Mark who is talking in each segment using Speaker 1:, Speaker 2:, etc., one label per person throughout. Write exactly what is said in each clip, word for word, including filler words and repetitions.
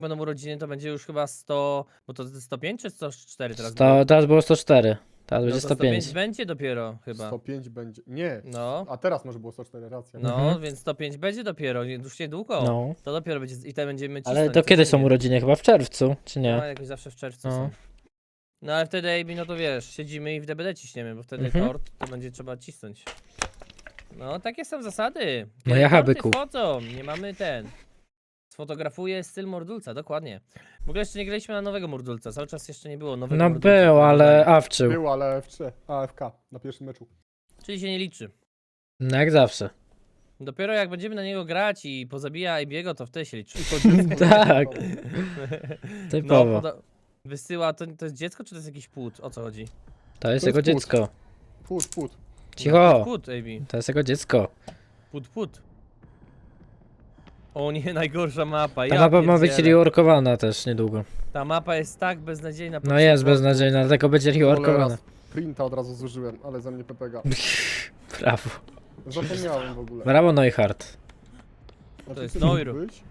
Speaker 1: będą urodziny, to będzie już chyba sto, bo to sto pięć czy sto cztery teraz
Speaker 2: sto,
Speaker 1: było?
Speaker 2: teraz było sto cztery. Teraz
Speaker 1: No
Speaker 2: będzie
Speaker 1: to
Speaker 2: sto pięć.
Speaker 1: będzie dopiero chyba.
Speaker 3: sto pięć będzie. Nie.
Speaker 1: No,
Speaker 3: A teraz może było sto cztery, racja.
Speaker 1: no,
Speaker 2: Mhm.
Speaker 1: więc sto pięć będzie dopiero, nie- już niedługo.
Speaker 2: No.
Speaker 1: To dopiero będzie, i te będziemy cisnąć.
Speaker 2: Ale to kiedy są
Speaker 1: codziennie.
Speaker 2: urodziny? Chyba w czerwcu, czy
Speaker 1: No,
Speaker 2: nie?
Speaker 1: jakoś zawsze w czerwcu
Speaker 2: No.
Speaker 1: są. No ale wtedy, Ejbi, no to wiesz, siedzimy i w D B D ciśniemy, bo wtedy
Speaker 2: Mhm.
Speaker 1: tort to będzie trzeba cisnąć. No, takie są zasady.
Speaker 2: No
Speaker 1: Kiedy
Speaker 2: ja
Speaker 1: torty
Speaker 2: byku.
Speaker 1: wchodzą, nie mamy ten. Sfotografuję styl Mordulca, dokładnie. W ogóle jeszcze nie graliśmy na nowego Mordulca, cały czas jeszcze nie było nowego
Speaker 2: No
Speaker 1: Mordulca.
Speaker 2: był, ale
Speaker 1: Mordulca.
Speaker 2: awczył.
Speaker 3: Był, ale F trzy, A F K na pierwszym meczu.
Speaker 1: Czyli się nie liczy.
Speaker 2: No jak zawsze.
Speaker 1: Dopiero jak będziemy na niego grać i pozabija Ejbiego, to wtedy się liczy.
Speaker 3: I to dziecko.
Speaker 2: Tak.
Speaker 1: No,
Speaker 2: Typowo.
Speaker 1: poda- wysyła, to, to jest dziecko czy to jest jakiś płód? O co chodzi?
Speaker 2: To jest
Speaker 3: To
Speaker 2: jego
Speaker 3: jest płód.
Speaker 2: dziecko.
Speaker 3: Put, put.
Speaker 2: Cicho.
Speaker 1: Płód, Ejbi.
Speaker 2: To jest jego dziecko.
Speaker 1: Płód, płód. O nie, najgorsza mapa.
Speaker 2: Ta
Speaker 1: Ja
Speaker 2: mapa ma być
Speaker 1: pierdzielę.
Speaker 2: reworkowana też niedługo.
Speaker 1: Ta mapa jest tak beznadziejna. po
Speaker 2: No
Speaker 1: prostu.
Speaker 2: jest beznadziejna, dlatego będzie reworkowana.
Speaker 3: Raz Printa od razu zużyłem, ale ze mnie P P G.
Speaker 2: Brawo.
Speaker 3: Zapomniałem w ogóle.
Speaker 2: Brawo Neuhardt.
Speaker 3: A ty
Speaker 1: jest
Speaker 3: co mógł
Speaker 1: Neuro.
Speaker 3: być?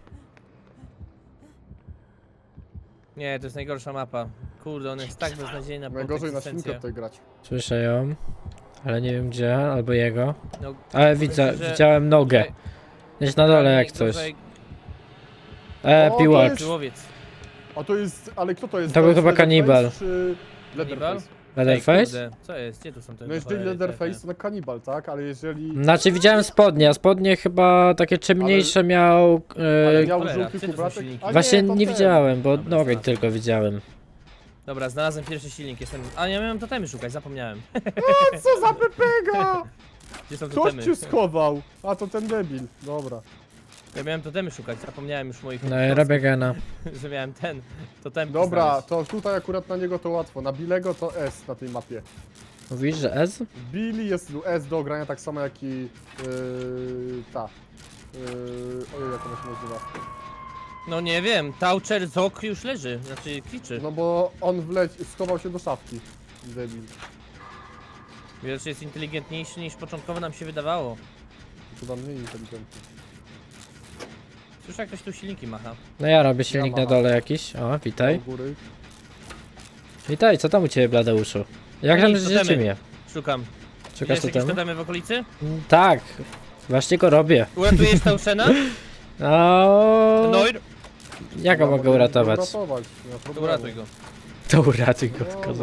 Speaker 1: Nie, to jest najgorsza mapa. Kurde, ona jest tak beznadziejna. po
Speaker 3: Najgorzej na
Speaker 1: konsystencji.
Speaker 3: świnkę tutaj grać.
Speaker 2: Słyszę ją. Ale nie wiem gdzie, albo jego.
Speaker 1: No,
Speaker 2: Ale widzę,
Speaker 1: myślę, że-
Speaker 2: widziałem nogę.
Speaker 1: Gorzej-
Speaker 2: Gdzieś na dole jak coś.
Speaker 1: gorzej
Speaker 2: E,
Speaker 3: O, to
Speaker 2: piłacz.
Speaker 3: jest-
Speaker 1: Piłowiec.
Speaker 3: A to jest, ale kto to jest?
Speaker 2: To był
Speaker 3: jest
Speaker 2: chyba
Speaker 3: Leatherface
Speaker 2: kanibal.
Speaker 3: Czy Leatherface?
Speaker 1: Ej,
Speaker 2: Leatherface?
Speaker 1: kurde, co jest? Gdzie tu są te
Speaker 3: No jeżeli
Speaker 1: cholery, te-
Speaker 3: Leatherface to na kanibal, tak? Ale jeżeli...
Speaker 2: Znaczy widziałem spodnie, a spodnie chyba takie ciemniejsze miał.
Speaker 3: Ale
Speaker 2: E,
Speaker 3: miał
Speaker 1: cholera,
Speaker 3: żółty
Speaker 1: gdzie to są
Speaker 3: kubratek?
Speaker 1: silniki?
Speaker 3: A
Speaker 2: właśnie
Speaker 3: to
Speaker 2: nie
Speaker 3: ten.
Speaker 2: widziałem, bo
Speaker 1: Dobra,
Speaker 2: nogę
Speaker 1: znalazłem.
Speaker 2: tylko widziałem.
Speaker 1: Dobra, znalazłem pierwszy silnik, jestem... A ja miałem totemy szukać, zapomniałem.
Speaker 3: Co za pepega!
Speaker 1: Gdzie są
Speaker 3: Ktoś
Speaker 1: totemy?
Speaker 3: cię schował! A to ten debil. Dobra.
Speaker 1: Ja miałem totemy szukać, zapomniałem już moich...
Speaker 2: No i robię gena.
Speaker 1: że miałem ten, totem.
Speaker 3: Dobra, to tutaj akurat na niego to łatwo. Na Bilego to S na tej mapie.
Speaker 2: Mówisz, że S?
Speaker 3: Billy jest S do ogrania tak samo jak i yy, ta. Yy, ojej, jak ona się nazywa.
Speaker 1: No nie wiem, Taucher Zok już leży, znaczy kliczy.
Speaker 3: No bo on wleć, schował się do szafki. Debil.
Speaker 1: Wiesz, jest inteligentniejszy niż początkowo nam się wydawało.
Speaker 3: Chyba mniej inteligentny.
Speaker 1: Słyszę, jak ktoś tu silniki macha.
Speaker 2: No ja robię silnik na
Speaker 3: macham.
Speaker 2: dole jakiś. O, witaj.
Speaker 3: Do góry.
Speaker 2: Witaj, co tam u ciebie, Bladeuszu? Jak tam
Speaker 1: Nic,
Speaker 2: życie
Speaker 1: totemy.
Speaker 2: mnie?
Speaker 1: Szukam.
Speaker 2: Szukasz
Speaker 1: Widziałeś jakieś
Speaker 2: totemu?
Speaker 1: totemy w okolicy?
Speaker 2: Mm, Tak, właśnie go robię.
Speaker 1: Uratujesz Tauchena?
Speaker 2: O,
Speaker 1: Noir?
Speaker 2: jak go
Speaker 3: Dobra,
Speaker 2: mogę
Speaker 3: możemy
Speaker 2: uratować?
Speaker 3: go uratować, nie ma
Speaker 1: To
Speaker 3: problemu.
Speaker 1: uratuj go.
Speaker 2: To uratuj go,
Speaker 3: Dobra.
Speaker 2: kozak.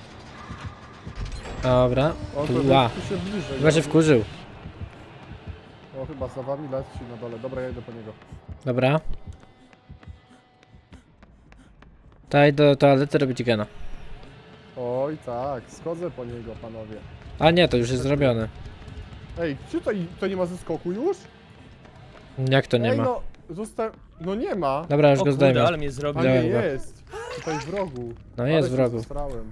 Speaker 2: Dobra.
Speaker 3: On to
Speaker 2: Ła.
Speaker 3: tu się bliżej.
Speaker 2: Chyba się
Speaker 3: robi.
Speaker 2: wkurzył.
Speaker 3: O, chyba za wami leci na dole. Dobra, ja idę po niego.
Speaker 2: Dobra. Daj do toalety robić gena.
Speaker 3: Oj tak, schodzę po niego, panowie.
Speaker 2: A nie, to już jest zrobione.
Speaker 3: Ej, czy to, to nie ma zeskoku już?
Speaker 2: Jak to nie
Speaker 3: Ej,
Speaker 2: ma?
Speaker 3: no, zosta... No nie ma.
Speaker 2: Dobra, już
Speaker 1: O
Speaker 2: go
Speaker 1: kurde,
Speaker 2: zdejmę.
Speaker 1: ale mnie zrobił.
Speaker 3: A nie
Speaker 2: Widziałem go.
Speaker 3: jest. Tutaj w rogu.
Speaker 2: No
Speaker 3: Ale
Speaker 2: jest
Speaker 3: się
Speaker 2: w rogu.
Speaker 3: zestrałem.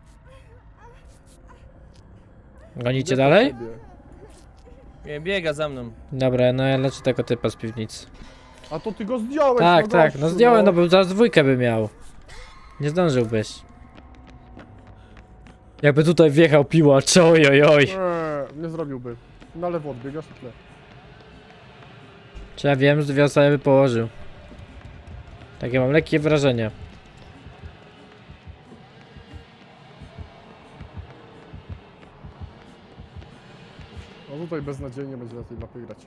Speaker 2: Gonicie
Speaker 3: Idę po
Speaker 2: dalej?
Speaker 3: ciebie.
Speaker 1: Nie, biega za mną.
Speaker 2: Dobra, no ja leczę tego typa z piwnicy.
Speaker 3: A to ty go zdjąłeś,
Speaker 2: Tak,
Speaker 3: no
Speaker 2: tak, no
Speaker 3: gościu,
Speaker 2: zdjąłem, no bo zaraz dwójkę by miał. Nie zdążyłbyś. Jakby tutaj wjechał piłacz, oj, oj, oj.
Speaker 3: Eee, nie zrobiłby. Na lewo odbiegasz i tyle.
Speaker 2: Czy ja wiem, że dwie osoby by położył. Takie mam lekkie wrażenie.
Speaker 3: No tutaj beznadziejnie będzie na tej mapie grać.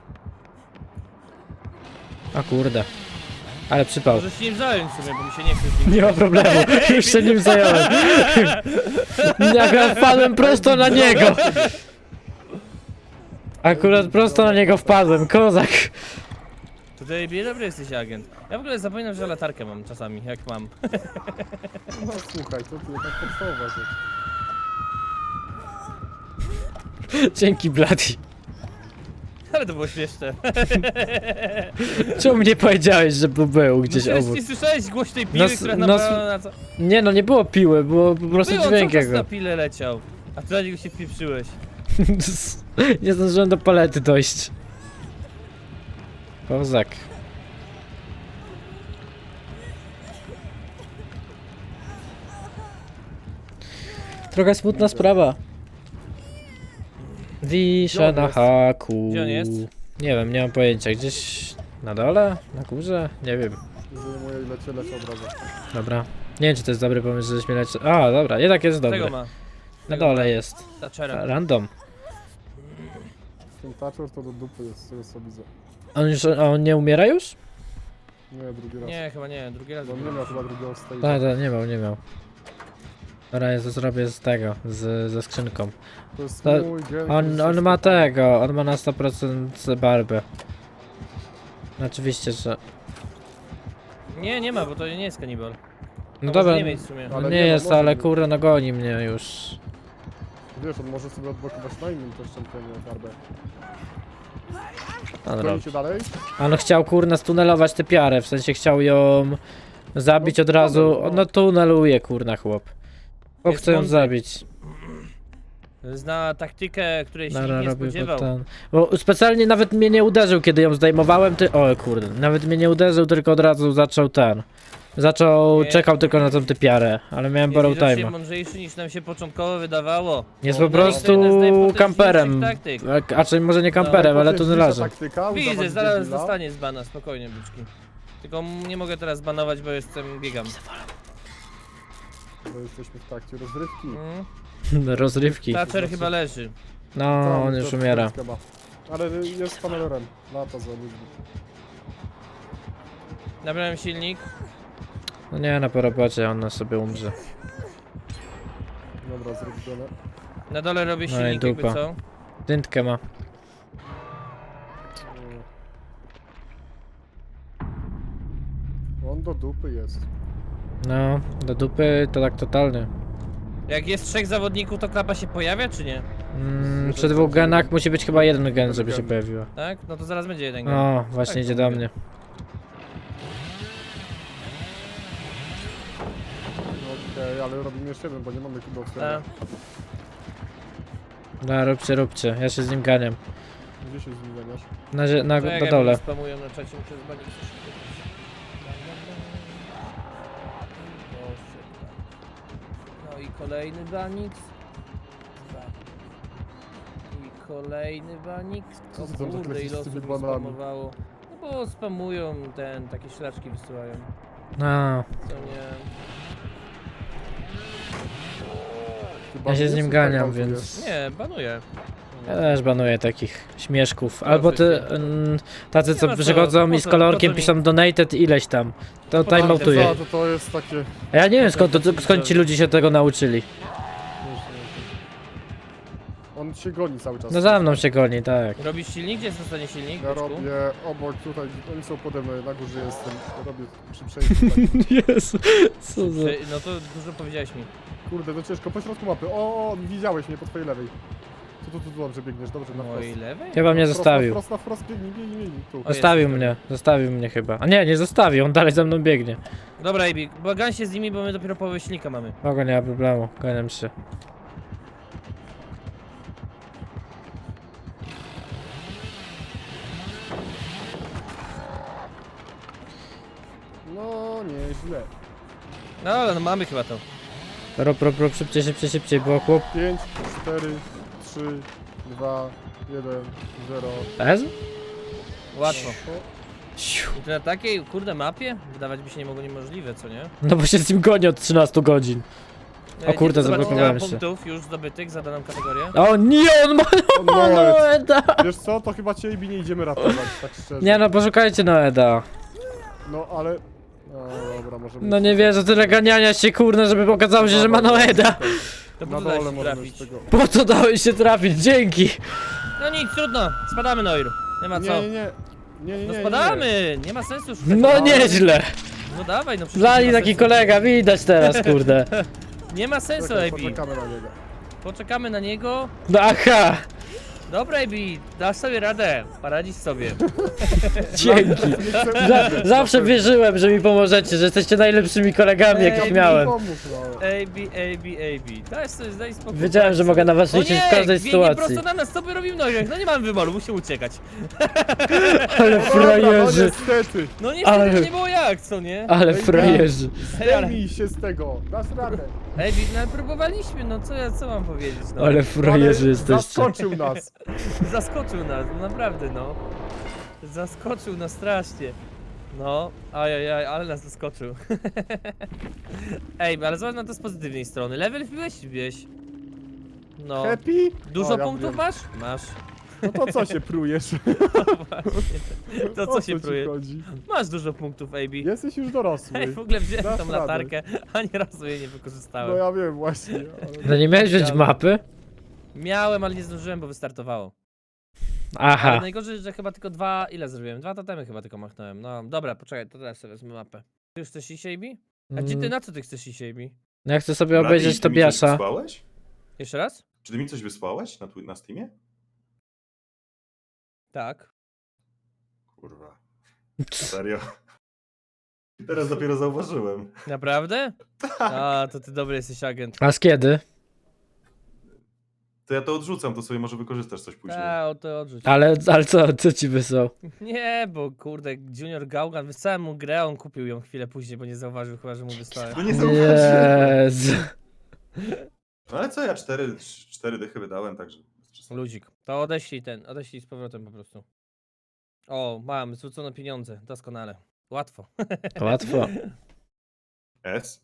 Speaker 2: O kurde. Ale przypał.
Speaker 1: Może się nim zająć w sumie, bo mi się nie chce z nim.
Speaker 2: Nie ma problemu, już się nim zająłem. Jak wpadłem prosto na niego. Akurat prosto na niego wpadłem, kozak.
Speaker 1: Tutaj bie dobry jesteś agent. Ja w ogóle zapominam, że latarkę mam czasami, jak mam.
Speaker 3: No słuchaj, to ty jakaś podstawowa rzecz.
Speaker 2: Dzięki Bloody.
Speaker 1: Ale to było śmieszne.
Speaker 2: Czemu nie powiedziałeś, że był- był gdzieś
Speaker 1: no,
Speaker 2: obok?
Speaker 1: Nie słyszałeś głośnej piły,
Speaker 2: No,
Speaker 1: która
Speaker 2: no,
Speaker 1: naprawdę na co...
Speaker 2: Nie no, nie było piły, było po prostu
Speaker 1: Było,
Speaker 2: dźwięk
Speaker 1: cały czas na
Speaker 2: jego.
Speaker 1: pile leciał. A ty na niego się wpieprzyłeś.
Speaker 2: Nie zdążyłem do palety dojść. Kozak. Trochę smutna sprawa. Wiszę
Speaker 3: Gdzie on
Speaker 2: na
Speaker 3: jest?
Speaker 2: haku.
Speaker 1: Gdzie on jest?
Speaker 2: Nie wiem, nie mam pojęcia. Gdzieś na dole? Na górze? Nie wiem.
Speaker 3: Zajmuje i lecie, lecie od razu.
Speaker 2: Dobra. Nie wiem, czy to jest dobry pomysł, żeśmy leci... A, dobra, jednak jest
Speaker 1: Tego
Speaker 2: dobry.
Speaker 1: ma.
Speaker 2: Na
Speaker 1: Tego ma.
Speaker 2: dole jest.
Speaker 1: Thatchera.
Speaker 2: Random.
Speaker 3: Ten Thatcher to do dupy jest, z tego co widzę.
Speaker 2: On już, a on nie umiera już?
Speaker 3: Nie, drugi raz.
Speaker 1: Nie, chyba nie, drugi raz.
Speaker 3: Bo on nie miał chyba drugiego stage'a.
Speaker 2: Tak, tak, nie miał, nie miał. Dobra, ja to zrobię z tego, z, ze skrzynką.
Speaker 3: To jest
Speaker 2: To-
Speaker 3: mój gen.
Speaker 2: On, on ma tego, on ma na sto procent barbę. Oczywiście, że...
Speaker 1: Nie, nie ma, bo to nie jest kanibal.
Speaker 2: No
Speaker 1: A
Speaker 2: dobra,
Speaker 1: może nie mieć w sumie.
Speaker 2: no
Speaker 3: Ale
Speaker 2: nie
Speaker 3: nie, no
Speaker 2: jest,
Speaker 3: może
Speaker 2: ale
Speaker 3: być.
Speaker 2: kurde, no goni mnie już.
Speaker 3: Wiesz, on może sobie odblokować na innym też czempionie barbę.
Speaker 2: On, robi.
Speaker 3: Gonicie dalej?
Speaker 2: on chciał kurna stunelować tę piarę, w sensie chciał ją zabić
Speaker 3: No,
Speaker 2: od razu.
Speaker 3: tunel, no.
Speaker 2: No tuneluje kurna chłop. Chłop
Speaker 1: Jest
Speaker 2: chce ją
Speaker 1: mądry.
Speaker 2: zabić.
Speaker 1: Zna taktykę, której się
Speaker 2: Dobra,
Speaker 1: nikt nie
Speaker 2: robił
Speaker 1: spodziewał.
Speaker 2: ten. Bo specjalnie nawet mnie nie uderzył, kiedy ją zdejmowałem, ty... O kurde, nawet mnie nie uderzył, tylko od razu zaczął ten. Zaczął,
Speaker 1: Nie.
Speaker 2: czekał tylko na tą typiarę, ale miałem borrow
Speaker 1: Jest widocznie
Speaker 2: time'a.
Speaker 1: mądrzejszy niż nam się początkowo wydawało.
Speaker 2: Jest
Speaker 1: On
Speaker 2: po
Speaker 1: na
Speaker 2: prostu
Speaker 1: jeden z najpotężniejszych
Speaker 2: kamperem.
Speaker 1: taktyk.
Speaker 2: A, a czy może nie kamperem, ale
Speaker 3: Najpotężniejsza
Speaker 2: tunelarzem.
Speaker 3: taktyka,
Speaker 1: Widzę,
Speaker 3: udawać
Speaker 1: zaraz
Speaker 3: debila.
Speaker 1: dostanie z bana, spokojnie, byczki. Tylko m- nie mogę teraz banować, bo jestem, biegam.
Speaker 3: Bo jesteśmy w trakcie rozrywki.
Speaker 1: Mm.
Speaker 2: Rozrywki.
Speaker 1: Thatcher chyba leży.
Speaker 2: No,
Speaker 3: Tam,
Speaker 2: on już
Speaker 3: to-
Speaker 2: umiera.
Speaker 3: to ma. Ale jest panelerem. Lata za ludźmi.
Speaker 1: Nabrałem silnik.
Speaker 2: No nie, na po robocie on sobie umrze.
Speaker 3: Dobra, zrobione.
Speaker 1: Na dole robię
Speaker 2: No i
Speaker 1: silnik, jakby
Speaker 2: dupa.
Speaker 1: co.
Speaker 2: Dyntkę ma.
Speaker 3: On do dupy jest.
Speaker 2: No, do dupy to tak totalny.
Speaker 1: Jak jest trzech zawodników, to klapa się pojawia, czy nie?
Speaker 2: Mm, przy dwóch genach musi być chyba jeden gen, żeby się pojawiła.
Speaker 1: Tak? No to zaraz będzie jeden gen.
Speaker 2: O, właśnie
Speaker 1: Tak,
Speaker 2: idzie
Speaker 1: to
Speaker 2: do
Speaker 1: mówię.
Speaker 2: mnie.
Speaker 3: No okej, ale robimy jeszcze jeden, bo nie mamy do
Speaker 1: A,
Speaker 3: otwierania.
Speaker 2: No, róbcie, róbcie. Ja się z nim ganiam.
Speaker 3: Gdzie się z nim ganiasz?
Speaker 2: Na, zie- na,
Speaker 1: to jak
Speaker 2: na
Speaker 1: ja
Speaker 2: dole.
Speaker 1: mnie spamują na czacie, muszę zbanić coś kupić. No i kolejny banik. I kolejny banik.
Speaker 3: Co
Speaker 1: O
Speaker 3: ty tam tak
Speaker 1: kurde,
Speaker 3: lecisz
Speaker 1: ile
Speaker 3: z
Speaker 1: osób
Speaker 3: tymi
Speaker 1: mi
Speaker 3: banami?
Speaker 1: spamowało. No bo spamują ten, takie szlaczki wysyłają.
Speaker 2: No,
Speaker 1: Co nie...
Speaker 3: Chyba
Speaker 2: ja się
Speaker 3: nie
Speaker 2: z nim
Speaker 3: jest
Speaker 2: ganiam,
Speaker 3: tak
Speaker 2: więc...
Speaker 1: Nie, banuję.
Speaker 2: Ja też banuję takich śmieszków. Albo ty, mm, tacy co
Speaker 1: Nie ma co,
Speaker 2: przychodzą
Speaker 1: po
Speaker 2: mi
Speaker 1: co-
Speaker 2: z kolorkiem,
Speaker 1: po co mi-
Speaker 2: piszą donated ileś tam. To
Speaker 1: Po co mi
Speaker 2: timeoutuje.
Speaker 3: To, to, to jest takie...
Speaker 2: A ja nie wiem skąd, to, skąd ci ludzie się tego nauczyli.
Speaker 3: On się goni cały czas.
Speaker 2: No za mną się goni, tak.
Speaker 1: Robisz silnik? Gdzie jest ostatni silnik?
Speaker 3: Ja
Speaker 1: Byczku?
Speaker 3: robię obok tutaj, oni są pode mną, na górze jestem. Robię przy przejściu tak.
Speaker 2: Jezu, co za...
Speaker 1: Czy- No to dużo powiedziałeś mi.
Speaker 3: Kurde, to ciężko, po środku mapy. O, o, widziałeś mnie po twojej lewej. Tu, tu, tu, tu dobrze biegniesz, dobrze, na wprost.
Speaker 1: Mojej lewej?
Speaker 2: Chyba mnie
Speaker 3: Wprost,
Speaker 2: zostawił.
Speaker 3: Na wprost, na wprost, biegnij, biegnij, biegnij, tu.
Speaker 1: jest
Speaker 2: Zostawił
Speaker 1: tutaj.
Speaker 2: mnie, zostawił mnie chyba. A nie, nie zostawił, on dalej za mną biegnie.
Speaker 1: Dobra, Ebi, bagan się z nimi, bo my dopiero połowę silnika mamy.
Speaker 2: Mogę, nie ma problemu, ganiam się.
Speaker 3: No, nieźle.
Speaker 1: No ale no mamy chyba to.
Speaker 2: Rob, rob, rob, szybciej, szybciej, szybciej, bo chłop...
Speaker 3: pięć, cztery, trzy, dwa, jeden, zero.
Speaker 2: Ez?
Speaker 1: Łatwo.
Speaker 3: O,
Speaker 2: Siu.
Speaker 1: I to na takiej, kurde, mapie? Wydawać by się nie mogło niemożliwe, co nie?
Speaker 2: No bo się z nim goni od trzynastu godzin.
Speaker 1: E,
Speaker 2: kurde,
Speaker 1: nie, zobacz,
Speaker 2: zablokowałem
Speaker 1: ile
Speaker 2: się.
Speaker 1: punktów już zdobytych za daną kategorię.
Speaker 2: O nie, on ma
Speaker 3: o, no,
Speaker 2: Noeda!
Speaker 3: wiesz co, to chyba ciebie nie idziemy ratować, tak szczerze.
Speaker 2: Nie no, poszukajcie Noeda.
Speaker 3: No, ale... No, dobra, możemy...
Speaker 2: No nie wierzę, tyle ganiania się kurna, żeby okazało się, że ma Noeda.
Speaker 1: To
Speaker 3: Na
Speaker 1: po co dałeś
Speaker 3: dole
Speaker 1: się
Speaker 3: możemy
Speaker 1: trafić?
Speaker 3: z tego...
Speaker 2: Po co dałeś się trafić? Dzięki.
Speaker 1: No nic, trudno. Spadamy, Noir. Nie ma co.
Speaker 3: Nie, nie, nie. Nie, nie, nie,
Speaker 1: No
Speaker 3: nie.
Speaker 1: spadamy! Nie ma sensu szukać.
Speaker 2: No nieźle.
Speaker 1: No dawaj, no przecież
Speaker 2: Lali
Speaker 1: nie ma
Speaker 2: taki
Speaker 1: sensu.
Speaker 2: kolega, widać teraz, kurde.
Speaker 1: Nie ma sensu,
Speaker 3: Czekaj,
Speaker 1: Ebi.
Speaker 3: poczekamy na niego.
Speaker 1: Poczekamy na niego.
Speaker 2: No aha,
Speaker 1: Dobra, Ebi, dasz sobie radę. Poradzisz sobie.
Speaker 2: dzięki. Za, zawsze wierzyłem, że mi pomożecie, że jesteście najlepszymi kolegami, jakich
Speaker 1: Ej,
Speaker 2: miałem.
Speaker 3: Pomóż, no.
Speaker 1: Ebi, Ebi, Ebi. Daj sobie, daj spokój.
Speaker 2: Wiedziałem, że mogę na was
Speaker 1: O
Speaker 2: liczyć
Speaker 1: nie,
Speaker 2: w każdej
Speaker 1: biegnie
Speaker 2: sytuacji.
Speaker 1: prosto na nas, co by robił Noir? No nie mamy wyboru, musimy uciekać.
Speaker 2: Ale
Speaker 3: Dobra, no
Speaker 2: frajerzy,
Speaker 3: niestety.
Speaker 1: No niestety
Speaker 2: Ale-
Speaker 1: nie było jak, co nie?
Speaker 2: ale frajerzy.
Speaker 1: Ej, ale-
Speaker 3: Zdejmij się z tego, dasz radę.
Speaker 1: Ebi, no próbowaliśmy, no co ja, co mam powiedzieć, no.
Speaker 2: Ale frajerzy
Speaker 3: Ale
Speaker 2: jesteście.
Speaker 3: Zaskoczył nas.
Speaker 1: Zaskoczył nas, no naprawdę, no. Zaskoczył nas strasznie. No, ajajaj, ale nas zaskoczył. Ej, ale zobacz na to z pozytywnej strony. Level wbiłeś, wbiłeś. No.
Speaker 3: Happy?
Speaker 1: Dużo
Speaker 3: O, ja
Speaker 1: punktów
Speaker 3: wiem.
Speaker 1: masz? Masz.
Speaker 3: No to co się prujesz?
Speaker 1: Właśnie. To
Speaker 3: O
Speaker 1: co się
Speaker 3: ci
Speaker 1: pruje?
Speaker 3: chodzi?
Speaker 1: Masz dużo punktów, A B.
Speaker 3: Jesteś już dorosły.
Speaker 1: Ej, w ogóle wziąłem
Speaker 3: Dasz
Speaker 1: tą
Speaker 3: radę.
Speaker 1: latarkę, ani razu jej nie
Speaker 3: No
Speaker 1: wykorzystałem.
Speaker 3: ja wiem właśnie. Ale...
Speaker 2: No nie miałeś wziąć mapy?
Speaker 1: Miałem, ale nie zdążyłem, bo wystartowało.
Speaker 2: Aha.
Speaker 1: Ale najgorzej, że chyba tylko dwa, ile zrobiłem? Dwa totemy chyba tylko machnąłem. No dobra, poczekaj, to teraz sobie wezmę mapę. Ty już chcesz iść, A B? A gdzie ty,
Speaker 2: Mm,
Speaker 1: na co ty chcesz iść, A B?
Speaker 2: Ja chcę sobie
Speaker 4: Blady,
Speaker 2: obejrzeć
Speaker 4: ty mi coś
Speaker 2: Tobiasza.
Speaker 4: wysłałeś?
Speaker 1: Jeszcze raz?
Speaker 4: Czy ty mi coś wysłałeś na, twi- na Steamie?
Speaker 1: Tak.
Speaker 4: Kurwa. Serio? Teraz dopiero zauważyłem.
Speaker 1: Naprawdę? A, to ty dobry jesteś agent.
Speaker 2: A z kiedy?
Speaker 4: To ja to odrzucam, to sobie może wykorzystasz coś później.
Speaker 1: A, o to odrzuć.
Speaker 2: Ale, ale co, co ci wysłał?
Speaker 1: Nie, bo kurde, Junior Gaugan, wysłałem mu grę, a on kupił ją chwilę później, bo nie zauważył chyba, że mu wysłałem.
Speaker 4: No nie zauważyłem.
Speaker 2: Jezu.
Speaker 4: No ale co, ja cztery, cztery dychy wydałem, także...
Speaker 1: Ludzik. To odeślij ten, odeślij z powrotem po prostu. O, mam, zwrócono pieniądze, doskonale. Łatwo.
Speaker 2: Łatwo.
Speaker 4: S?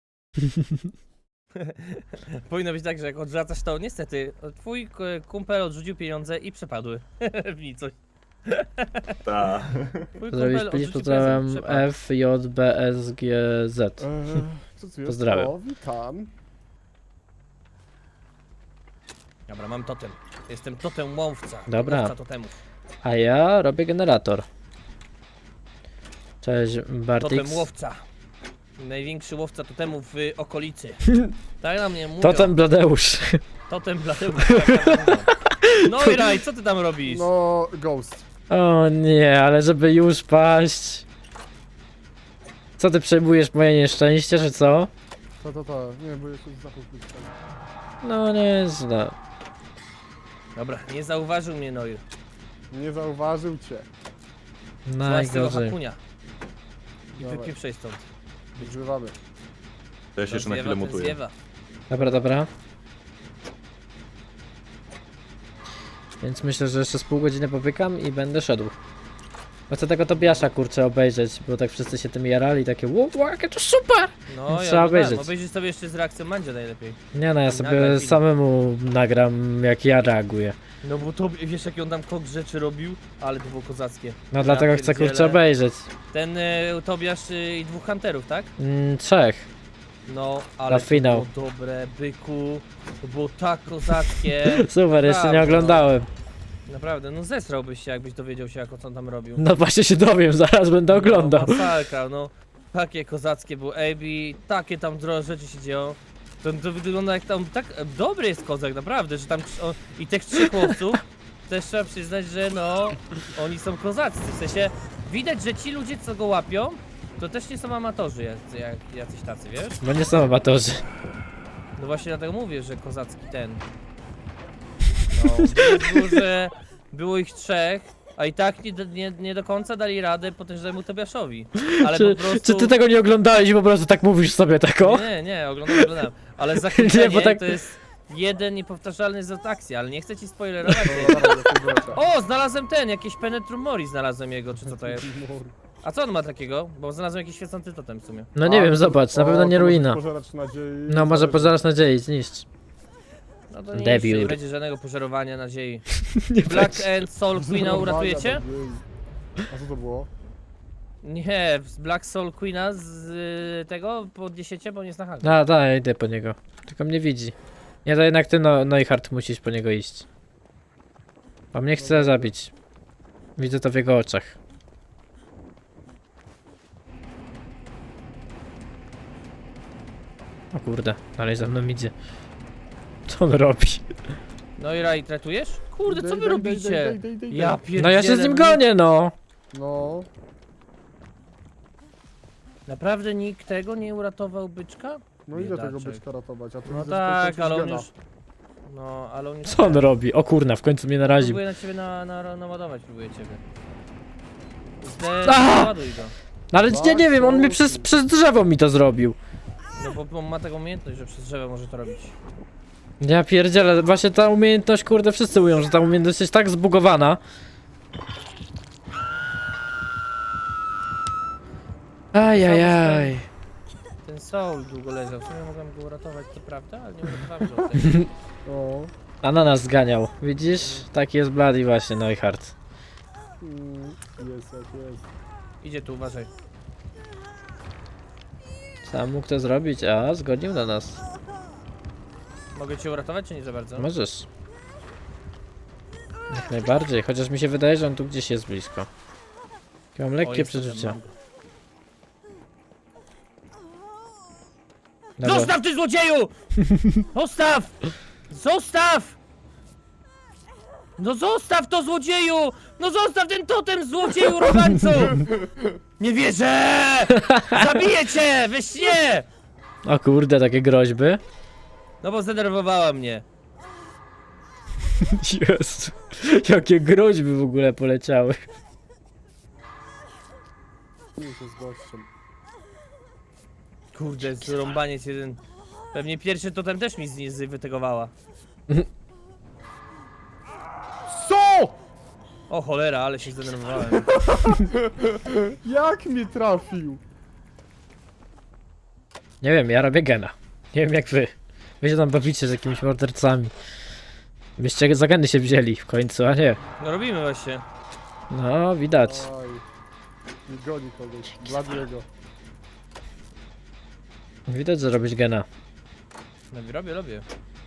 Speaker 1: Powinno być tak, że jak odwracasz to, niestety, twój k- kumpel odrzucił pieniądze i przepadły w nicość.
Speaker 4: Ta.
Speaker 1: Twój
Speaker 2: Zrobić
Speaker 1: kumpel
Speaker 2: pięć,
Speaker 1: odrzucił
Speaker 2: pozdrawiam
Speaker 1: prezent, przepadł.
Speaker 2: F J B S G Z.
Speaker 3: Eee, co tu jest?
Speaker 2: Pozdrawiam.
Speaker 3: O, witam.
Speaker 1: Dobra, mam totem. Jestem totem łowca.
Speaker 2: Dobra.
Speaker 1: Łowca totemów.
Speaker 2: A ja robię generator. Cześć Bartix.
Speaker 1: Totem łowca. Największy łowca totemów w okolicy. Tak na mnie mówią.
Speaker 2: Totem Bladeusz.
Speaker 1: Totem Bladeusz. tak na mnie mówią. No i Raj, co ty tam robisz?
Speaker 3: No, Ghost.
Speaker 2: O nie, ale żeby już paść. Co ty przejmujesz moje nieszczęście, czy co?
Speaker 3: To, to, to. Nie, bo jeszcze zapach być tam.
Speaker 2: No nieźle.
Speaker 1: Dobra, nie zauważył mnie Noir.
Speaker 3: Nie zauważył cię.
Speaker 1: Złaź z tego
Speaker 2: Najgorzej.
Speaker 1: hakunia. I
Speaker 3: Dawaj.
Speaker 1: wypieprzej stąd.
Speaker 3: Używamy.
Speaker 4: To ja się jeszcze na
Speaker 1: Zjeba,
Speaker 4: chwilę
Speaker 1: ten
Speaker 4: mutuję.
Speaker 1: zjeba.
Speaker 2: Dobra, dobra. Więc myślę, że jeszcze z pół godziny popykam i będę szedł. Bo chcę tego Tobiasza kurczę obejrzeć, bo tak wszyscy się tym jarali, takie wow, wow, jakie to super!
Speaker 1: No,
Speaker 2: Trzeba
Speaker 1: ja obejrzeć.
Speaker 2: obejrzeć.
Speaker 1: Obejrzyj sobie jeszcze z reakcją Mandzia najlepiej.
Speaker 2: Nie no, ja
Speaker 1: Nagraj
Speaker 2: sobie
Speaker 1: film.
Speaker 2: samemu nagram jak ja reaguję.
Speaker 1: No bo to, wiesz jaki on tam kok rzeczy robił? Ale to było kozackie.
Speaker 2: No
Speaker 1: Ja
Speaker 2: dlatego chcę kurczę
Speaker 1: pierdzielę.
Speaker 2: obejrzeć.
Speaker 1: Ten y, Tobiasz y, i dwóch hunterów, tak?
Speaker 2: Mm, trzech.
Speaker 1: No, ale
Speaker 2: Na
Speaker 1: to
Speaker 2: finał.
Speaker 1: było dobre, byku. To było tak kozackie.
Speaker 2: Super, jeszcze nie
Speaker 1: Prawda,
Speaker 2: oglądałem.
Speaker 1: Naprawdę, no zesrałbyś się, jakbyś dowiedział się, jak co on tam robił.
Speaker 2: No właśnie się dowiem, zaraz będę oglądał.
Speaker 1: No, masakra, no. Takie kozackie było A B, takie tam drogie rzeczy się dzieją. To, to wygląda jak tam, tak e, dobry jest kozak, naprawdę, że tam o, i tych trzech chłopców też trzeba przyznać, że no, oni są kozaccy, w sensie widać, że ci ludzie, co go łapią, to też nie są amatorzy jacy, jak, jacyś tacy, wiesz?
Speaker 2: Bo nie są amatorzy.
Speaker 1: No właśnie dlatego mówię, że kozacki ten. No, było, że było ich trzech, a i tak nie, do- nie, nie do końca dali radę potężnemu Tobiaszowi. Ale
Speaker 2: Czy,
Speaker 1: po prostu...
Speaker 2: czy ty tego nie oglądałeś i po prostu tak mówisz sobie tako?
Speaker 1: Nie, nie, oglądam, oglądam. Ale zakończenie
Speaker 2: Nie, bo tak-
Speaker 1: to jest jeden niepowtarzalny z akcji, ale nie chcę ci spoilerować.
Speaker 3: No, dawaj, do kubelka.
Speaker 1: O, znalazłem ten, jakieś Penetrum Mori znalazłem jego, czy co to jest? A co on ma takiego? Bo znalazłem jakiś świecący totem w sumie.
Speaker 2: No nie
Speaker 3: A,
Speaker 2: wiem, zobacz, na
Speaker 3: o,
Speaker 2: pewno nie
Speaker 3: to może
Speaker 2: ruina.
Speaker 3: Pożeracz nadziei.
Speaker 2: No może pożarać nadziei, zniszcz.
Speaker 1: No to nie,
Speaker 2: Debiut.
Speaker 1: jeszcze nie będzie żadnego pożerowania nadziei.
Speaker 2: Nie
Speaker 1: Black
Speaker 2: będzie.
Speaker 1: and Soul Queena uratujecie?
Speaker 3: Nadziei. A co to było?
Speaker 1: Nie, z Black Soul Queena z y, tego podniesiecie, bo nie jest na hangu.
Speaker 2: A, da, ja idę po niego. Tylko mnie widzi. Nie, to jednak ty, no, Neuhardt, musisz po niego iść. A mnie chce zabić. Widzę to w jego oczach. O kurde, dalej za mną idzie. Co on robi?
Speaker 1: No i Rai, tratujesz? Kurde, co
Speaker 3: Dej,
Speaker 1: wy
Speaker 3: dej,
Speaker 1: robicie?
Speaker 3: dej, dej, dej, dej.
Speaker 1: Ja pierdzielę.
Speaker 2: No ja się z nim
Speaker 1: no
Speaker 2: gonię, no!
Speaker 3: No.
Speaker 1: Naprawdę nikt tego nie uratował byczka?
Speaker 3: No ile tego
Speaker 1: Biedaczek.
Speaker 3: byczka ratować? A tu
Speaker 1: No
Speaker 3: widzę, że
Speaker 1: tak,
Speaker 3: to
Speaker 1: ale on
Speaker 3: gena.
Speaker 1: już... No, ale on już...
Speaker 2: Co on robi? O kurna, w końcu mnie naraził.
Speaker 1: Próbuję na ciebie na, na, naładować, próbuję ciebie.
Speaker 2: Aha!
Speaker 1: Naładuj go.
Speaker 2: No ale nie, nie wiem, on mi przez, przez drzewo mi to zrobił.
Speaker 1: No bo, bo ma taką umiejętność, że przez drzewo może to robić.
Speaker 2: Ja pierdzielę, właśnie ta umiejętność, kurde, wszyscy mówią, że ta umiejętność jest tak zbugowana. Ajajaj.
Speaker 1: Ten Soul długo leżał, w sumie mogłem go uratować, to prawda, ale nie uratowałem go. tutaj.
Speaker 3: O.
Speaker 2: Ananas zganiał. Widzisz? Taki jest Bloody właśnie, Neuhardt.
Speaker 3: Mm, jest jak jest.
Speaker 1: Idzie tu, uważaj.
Speaker 2: Sam mógł to zrobić, a zgodził na nas.
Speaker 1: Mogę cię uratować, czy nie za bardzo?
Speaker 2: Możesz. Jak najbardziej, chociaż mi się wydaje, że on tu gdzieś jest blisko. Ja mam
Speaker 1: O,
Speaker 2: lekkie
Speaker 1: jest,
Speaker 2: przeczucia.
Speaker 1: mam go.
Speaker 2: Dobra.
Speaker 1: Zostaw ty złodzieju! Zostaw! Zostaw! No zostaw to złodzieju! No zostaw ten totem złodzieju robańcu! Nie wierzę! Zabiję cię! We śnie!
Speaker 2: O kurde, takie groźby.
Speaker 1: No bo zdenerwowała mnie.
Speaker 2: Jezu, jakie groźby w ogóle poleciały.
Speaker 3: Nie się z gościem.
Speaker 1: Kurde, zrąbaniec jeden. Pewnie pierwszy totem też mi z niej wytegowała.
Speaker 3: Co?
Speaker 1: O cholera, ale się zdenerwowałem.
Speaker 3: Jak mi trafił?
Speaker 2: Nie wiem, ja robię gena. Nie wiem jak wy. Wy się tam bawicie z jakimiś mordercami. Byście za geny się wzięli w końcu, a nie.
Speaker 1: No robimy właśnie.
Speaker 2: No, widać.
Speaker 3: Oj. Nie goni kogoś. Bladiego.
Speaker 2: Widać, że robisz gena.
Speaker 1: No robię, robię.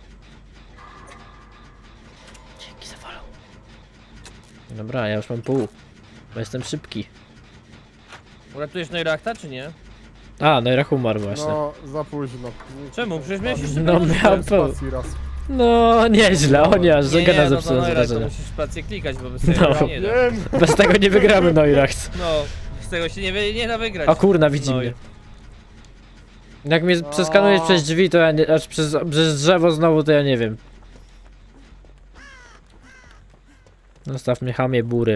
Speaker 2: Dzięki za follow. Dobra, ja już mam pół. Bo jestem szybki.
Speaker 1: Uratujesz Neurachta, czy nie?
Speaker 2: A, no i Rach umarł właśnie.
Speaker 3: No, za późno.
Speaker 1: Czemu? Przecież miałeś jeszcze
Speaker 2: No
Speaker 1: pełno
Speaker 2: miał
Speaker 1: życia.
Speaker 2: pół.
Speaker 3: Spacji raz.
Speaker 2: No, nieźle, o nie, aż że
Speaker 1: Nie,
Speaker 2: gena
Speaker 1: no to
Speaker 2: zepsułem z
Speaker 1: Neurach, to
Speaker 2: wrażenia.
Speaker 1: musisz pracę klikać, bo bez tego
Speaker 2: No.
Speaker 1: nie da.
Speaker 3: Wiem!
Speaker 2: Bez tego nie wygramy Neuracht.
Speaker 1: No, z tego się nie, wy- nie da wygrać.
Speaker 2: O kurna, widzi
Speaker 1: No i-
Speaker 2: mnie. Jak mnie przeskanujesz
Speaker 3: O.
Speaker 2: przez drzwi, to ja nie, aż przez, przez drzewo znowu, to ja nie wiem. Zostaw mnie, chamie bury.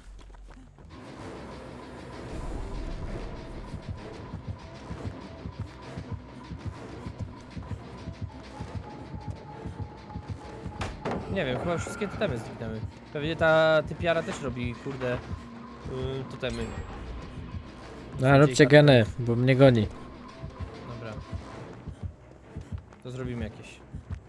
Speaker 1: Nie wiem, chyba wszystkie totemy zniknęły. Pewnie ta typiara też robi, kurde, yy, totemy.
Speaker 2: No, róbcie geny, bo mnie goni.
Speaker 1: Dobra. To zrobimy jakieś.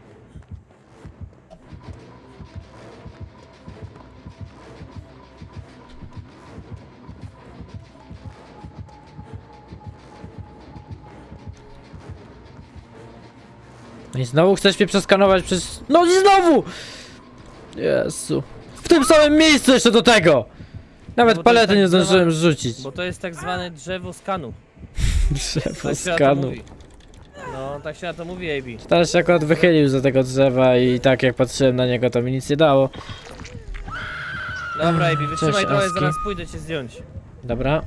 Speaker 2: No i znowu chcesz mnie przeskanować przez... No i znowu! Jezu. W tym samym miejscu jeszcze do tego! Nawet
Speaker 1: Bo to
Speaker 2: palety
Speaker 1: jest
Speaker 2: nie
Speaker 1: tak
Speaker 2: zdążyłem
Speaker 1: zwana-
Speaker 2: rzucić.
Speaker 1: Bo to jest tak zwane drzewo skanu.
Speaker 2: Drzewo
Speaker 1: Tak się na to
Speaker 2: skanu.
Speaker 1: mówi. No, tak się na to mówi, A B.
Speaker 2: Teraz się akurat wychylił za tego drzewa i tak jak patrzyłem na niego, to mi nic nie dało.
Speaker 1: Dobra, A B, wytrzymaj
Speaker 2: Cześć,
Speaker 1: trochę,
Speaker 2: Aski.
Speaker 1: zaraz pójdę cię zdjąć.
Speaker 2: Dobra.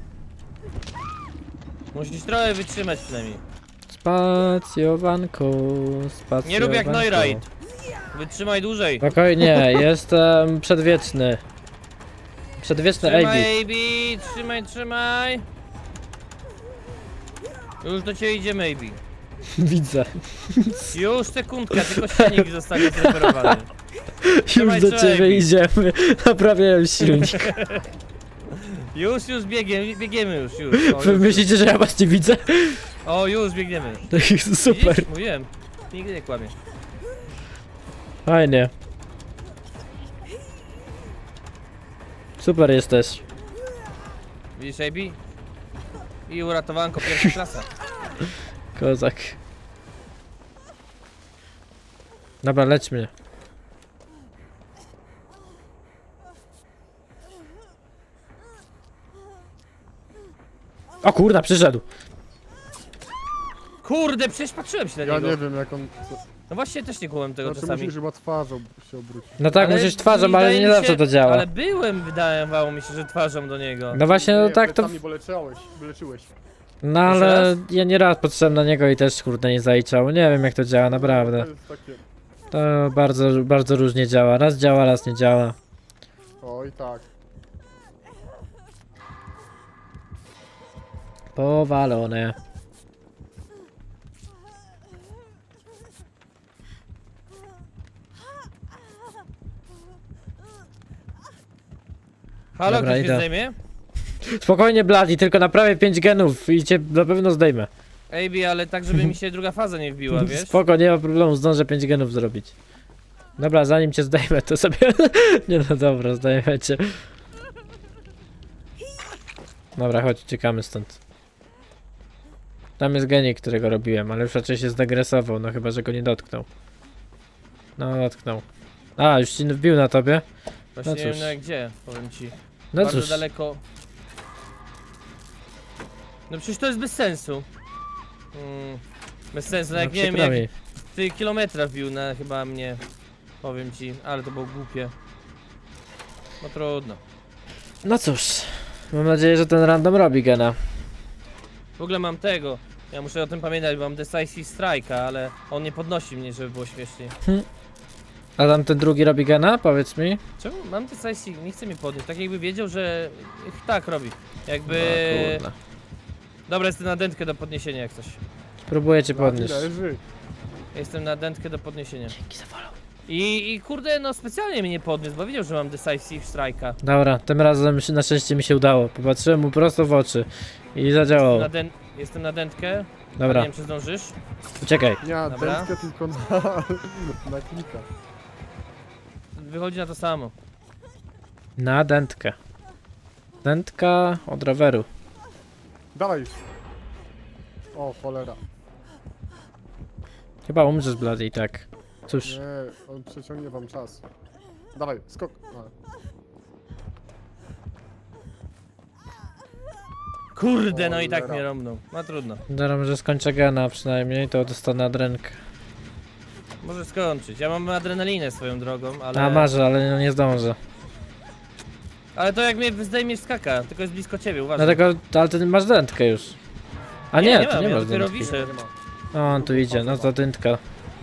Speaker 1: Musisz trochę wytrzymać przynajmniej.
Speaker 2: Spacjowanko, spacjowanko.
Speaker 1: Nie rób jak Neurite. Wytrzymaj dłużej.
Speaker 2: Spokojnie, jestem przedwieczny. Przedwieczny A B.
Speaker 1: Trzymaj, A B, trzymaj, trzymaj. Już do ciebie idziemy, A B.
Speaker 2: Widzę.
Speaker 1: Już sekundka, tylko silnik zostanie zreperowany.
Speaker 2: Już
Speaker 1: Trzymaj,
Speaker 2: do
Speaker 1: trzymaj,
Speaker 2: ciebie
Speaker 1: A B.
Speaker 2: idziemy. Naprawiałem silnik.
Speaker 1: Już, już biegiem, biegniemy już, już. O,
Speaker 2: Wy
Speaker 1: już.
Speaker 2: myślicie, że ja was nie widzę?
Speaker 1: O, już biegniemy.
Speaker 2: Super.
Speaker 1: Widzisz? Mówiłem. Nigdy nie kłamie.
Speaker 2: Fajnie. Super jesteś.
Speaker 1: Widzisz, A B? I uratowanko pierwsza klasa.
Speaker 2: Kozak. Dobra, leć mnie. O kurda, przyszedł.
Speaker 1: Kurde, przecież patrzyłem się na
Speaker 3: Ja
Speaker 1: niego.
Speaker 3: nie wiem jak on... Co...
Speaker 1: No właśnie też nie kłamałem tego
Speaker 3: Znaczy
Speaker 1: czasami.
Speaker 3: musisz chyba twarzą się obrócić.
Speaker 2: No tak,
Speaker 1: Ale
Speaker 2: musisz twarzą, ale
Speaker 1: wydaje
Speaker 2: nie
Speaker 1: mi
Speaker 2: zawsze
Speaker 1: się-
Speaker 2: to działa.
Speaker 1: Ale byłem, wydawało mi się, że twarzą do niego.
Speaker 2: No właśnie, no
Speaker 3: Nie,
Speaker 2: tak to...
Speaker 3: plecami, bo leczyłeś, leczyłeś.
Speaker 2: No
Speaker 1: Jeszcze
Speaker 2: ale
Speaker 1: raz?
Speaker 2: ja nie raz patrzyłem na niego i też kurde nie zaliczało. Nie wiem jak to działa, naprawdę.
Speaker 3: To jest takie...
Speaker 2: To bardzo, bardzo różnie działa. Raz działa, raz nie działa.
Speaker 3: Oj tak.
Speaker 2: Powalone.
Speaker 1: Halo,
Speaker 2: Dobra,
Speaker 1: ktoś mnie
Speaker 2: idę.
Speaker 1: zdejmie?
Speaker 2: Spokojnie, Bladi, tylko naprawię pięć genów i cię na pewno zdejmę.
Speaker 1: A B, ale tak, żeby mi się druga faza nie wbiła, wiesz?
Speaker 2: Spoko, nie ma problemu, zdążę pięć genów zrobić. Dobra, zanim cię zdejmę, to sobie... nie no dobra, zdejmę cię. Dobra, chodź, uciekamy stąd. Tam jest genik, którego robiłem, ale już raczej się zdegresował, no chyba, że go nie dotknął. No, dotknął. A, już ci wbił na tobie?
Speaker 1: Właśnie
Speaker 2: No
Speaker 1: nie wiem
Speaker 2: cóż.
Speaker 1: no, gdzie, powiem ci.
Speaker 2: No
Speaker 1: Bardzo
Speaker 2: cóż,
Speaker 1: daleko. No przecież to jest bez sensu. Mm, bez sensu, no
Speaker 2: no
Speaker 1: jak nie wiem
Speaker 2: przykro
Speaker 1: jak
Speaker 2: mi.
Speaker 1: ty kilometra wbił na chyba mnie. Powiem ci, ale to było głupie. No trudno.
Speaker 2: No cóż, mam nadzieję, że ten random robi gena.
Speaker 1: W ogóle mam tego. Ja muszę o tym pamiętać, bo mam Decisive Strike'a, ale on nie podnosi mnie, żeby było śmieszniej.
Speaker 2: A tam ten drugi robi gena? Powiedz mi.
Speaker 1: Czemu? Mam Decisive, nie chce mnie podnieść. Tak jakby wiedział, że tak robi. Jakby...
Speaker 2: No, kurna.
Speaker 1: Dobra, jestem na dętkę do podniesienia jak coś.
Speaker 2: Próbuję cię
Speaker 3: Bladi
Speaker 2: podnieść.
Speaker 3: leży.
Speaker 1: Jestem na dętkę do podniesienia.
Speaker 2: Dzięki za follow.
Speaker 1: I, I kurde, no specjalnie mnie nie podniósł, bo wiedział, że mam Decisive Strike'a.
Speaker 2: Dobra, tym razem się- na szczęście mi się udało. Popatrzyłem mu prosto w oczy i zadziałało.
Speaker 1: Na dę... Jestem na dętkę.
Speaker 2: Dobra,
Speaker 1: Nie wiem, czy zdążysz.
Speaker 2: uciekaj.
Speaker 3: Nie na
Speaker 1: Dobra.
Speaker 3: dętkę, tylko na, na klika.
Speaker 1: Wychodzi na to samo.
Speaker 2: Na dętkę. Dętka od roweru.
Speaker 3: Dawaj. O, cholera.
Speaker 2: Chyba umrzesz, Blady, i tak. Cóż,
Speaker 3: Nie, on przeciągnie wam czas. Dawaj, skok. A.
Speaker 1: Kurde, no i tak
Speaker 3: Cholera.
Speaker 1: mnie rąbnął. No trudno.
Speaker 2: dobra, może skończę gena przynajmniej, to dostanę adrenkę.
Speaker 1: Może skończyć. Ja mam adrenalinę swoją drogą, ale...
Speaker 2: A marzę, ale no nie zdążę.
Speaker 1: Ale to jak mnie zdejmiesz skaka, tylko jest blisko ciebie, uważaj.
Speaker 2: Dlatego, ale ty masz dętkę już. A nie,
Speaker 1: nie
Speaker 2: ty
Speaker 1: mam,
Speaker 2: nie
Speaker 1: ja
Speaker 2: masz
Speaker 1: dopiero
Speaker 2: dętki.
Speaker 1: wiszę.
Speaker 3: Nie ma.
Speaker 2: O, on tu idzie, no to dętka.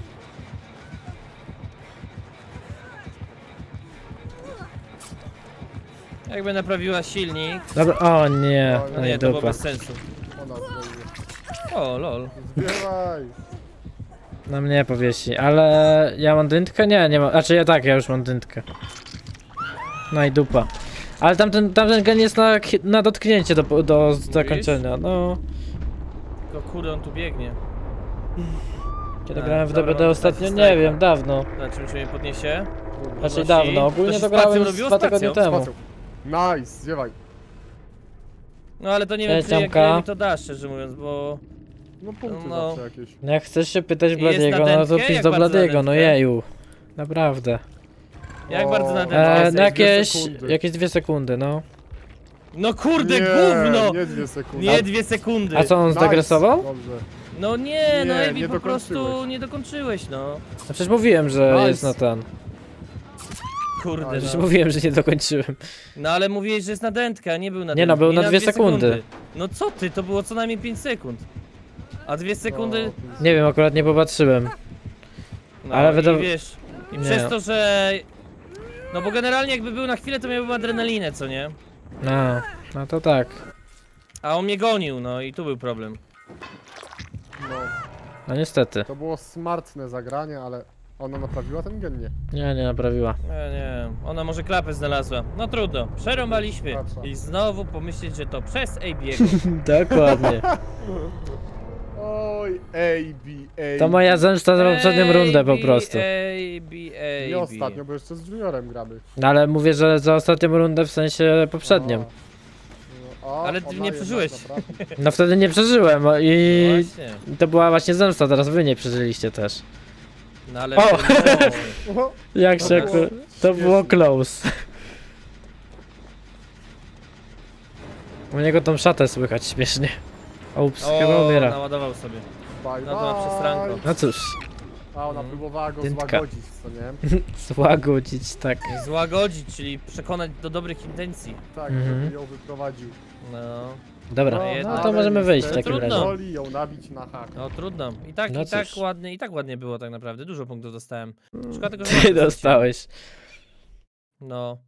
Speaker 1: Jakby naprawiła silnik,
Speaker 2: Dobra, o nie,
Speaker 3: No
Speaker 2: no
Speaker 1: nie,
Speaker 2: i
Speaker 1: to było
Speaker 2: dupa.
Speaker 1: bez sensu.
Speaker 3: Ona zdejmie.
Speaker 1: O, lol.
Speaker 3: Zbieraj.
Speaker 2: Na mnie powiesi, ale ja mam dętkę? Nie, nie mam, znaczy ja tak, ja już mam dętkę. No i dupa. Ale tamten, tamten gen jest na, na dotknięcie do, do zakończenia, no.
Speaker 1: Tylko kurde, on tu biegnie.
Speaker 2: Kiedy
Speaker 1: A,
Speaker 2: grałem w
Speaker 1: dobra,
Speaker 2: D B D
Speaker 1: mam
Speaker 2: ostatnio?
Speaker 1: Decisive
Speaker 2: Nie wiem, dawno.
Speaker 1: Na czym się mnie podniesie?
Speaker 2: Znaczy
Speaker 1: Podnosi.
Speaker 2: dawno, ogólnie
Speaker 1: się
Speaker 2: to
Speaker 1: z spacją
Speaker 2: grałem z
Speaker 1: robiło?
Speaker 2: dwa tygodnie
Speaker 1: Spacją?
Speaker 2: temu.
Speaker 3: Spacją. Nice, zjewaj.
Speaker 1: No ale to nie wiem,
Speaker 2: Cześć,
Speaker 1: czy jak
Speaker 2: Tomka.
Speaker 1: mi to da, szczerze mówiąc, bo...
Speaker 3: No punkty
Speaker 1: No.
Speaker 3: zawsze jakieś.
Speaker 2: No jak chcesz się pytać
Speaker 1: I jest
Speaker 2: Bladiego,
Speaker 1: na
Speaker 2: no to
Speaker 1: dętkę?
Speaker 2: pisz
Speaker 1: Jak
Speaker 2: do
Speaker 1: bardzo na
Speaker 2: Bladiego, no
Speaker 1: dętkę?
Speaker 2: jeju. Naprawdę.
Speaker 1: Jak
Speaker 3: O,
Speaker 1: bardzo na
Speaker 3: E,
Speaker 1: dętkę
Speaker 2: E,
Speaker 1: jesteś?
Speaker 2: no jakieś,
Speaker 3: sekundy.
Speaker 2: jakieś dwie sekundy, no.
Speaker 1: No kurde,
Speaker 3: nie,
Speaker 1: gówno!
Speaker 3: Nie dwie sekundy.
Speaker 1: Nie dwie sekundy.
Speaker 2: A co, on
Speaker 3: Nice.
Speaker 2: zdegresował?
Speaker 3: Dobrze.
Speaker 1: No nie, no
Speaker 3: Nie,
Speaker 1: Ebi,
Speaker 3: nie
Speaker 1: po prostu
Speaker 3: dokończyłeś.
Speaker 1: nie dokończyłeś, no.
Speaker 2: No przecież mówiłem, że
Speaker 3: Nice.
Speaker 2: jest na ten.
Speaker 1: Kurde,
Speaker 3: Ale
Speaker 2: Przecież
Speaker 1: no.
Speaker 2: mówiłem, że nie dokończyłem.
Speaker 1: No ale mówiłeś, że jest na dętkę, a nie był na
Speaker 2: Nie no,
Speaker 1: dętkę.
Speaker 2: był
Speaker 1: I
Speaker 2: na dwie sekundy.
Speaker 1: No co ty, to było co najmniej pięć sekund. A dwie sekundy,
Speaker 3: No,
Speaker 2: Nie wiem, akurat nie popatrzyłem.
Speaker 1: no
Speaker 2: ale
Speaker 1: i
Speaker 2: wydaw-
Speaker 1: wiesz, i
Speaker 2: Nie.
Speaker 1: przez to, że... No bo generalnie jakby był na chwilę, to miałbym adrenalinę, co nie?
Speaker 2: No, no to tak.
Speaker 1: A on mnie gonił, no i tu był problem.
Speaker 3: no,
Speaker 2: No niestety.
Speaker 3: to było smartne zagranie, ale ona naprawiła ten gen, nie?
Speaker 2: Nie, nie naprawiła.
Speaker 1: Nie, nie, ona może klapę znalazła. No trudno, przerąbaliśmy. I znowu pomyśleć, że to przez Abiego.
Speaker 2: Dokładnie.
Speaker 3: Oj, A B, A B.
Speaker 2: To moja zemsta za poprzednią rundę po prostu.
Speaker 1: A B, A B.
Speaker 3: Nie ostatnio, bo jeszcze z Juniorem gramy.
Speaker 2: No ale mówię, że za ostatnią rundę w sensie poprzednią.
Speaker 3: No, a,
Speaker 1: Ale ty
Speaker 3: ona
Speaker 1: nie
Speaker 3: jednak
Speaker 1: przeżyłeś.
Speaker 3: naprawdę-
Speaker 2: No wtedy nie przeżyłem o, i
Speaker 1: No właśnie.
Speaker 2: to była właśnie zemsta, teraz wy nie przeżyliście też.
Speaker 1: No ale...
Speaker 2: O!
Speaker 1: No,
Speaker 3: O,
Speaker 2: Jak
Speaker 3: To
Speaker 2: się
Speaker 3: było
Speaker 2: akurat... To było
Speaker 3: śmieszne.
Speaker 2: close. U niego tą szatę słychać śmiesznie. Ups, chyba
Speaker 1: o,
Speaker 2: umiera.
Speaker 1: naładował sobie.
Speaker 3: bye,
Speaker 1: No to ma przestranko.
Speaker 3: bye.
Speaker 2: No cóż,
Speaker 3: A ona
Speaker 1: Mhm.
Speaker 3: próbowała go
Speaker 2: Dętka.
Speaker 3: złagodzić, co nie?
Speaker 2: złagodzić, tak.
Speaker 1: Złagodzić, czyli przekonać do dobrych intencji.
Speaker 3: Tak,
Speaker 2: Mhm.
Speaker 3: żeby ją wyprowadził.
Speaker 1: No,
Speaker 2: Dobra,
Speaker 1: jedno.
Speaker 2: no to
Speaker 3: ale
Speaker 2: możemy wyjść w
Speaker 3: niestety
Speaker 2: takim
Speaker 1: trudno.
Speaker 2: razie.
Speaker 3: Woli ją nabić na hak.
Speaker 1: no trudno. I tak,
Speaker 2: No
Speaker 1: i tak
Speaker 2: cóż.
Speaker 1: ładnie, i tak ładnie było tak naprawdę. Dużo punktów dostałem. Szkoda tylko, że
Speaker 2: Ty
Speaker 1: nie
Speaker 2: dostałeś.
Speaker 1: No.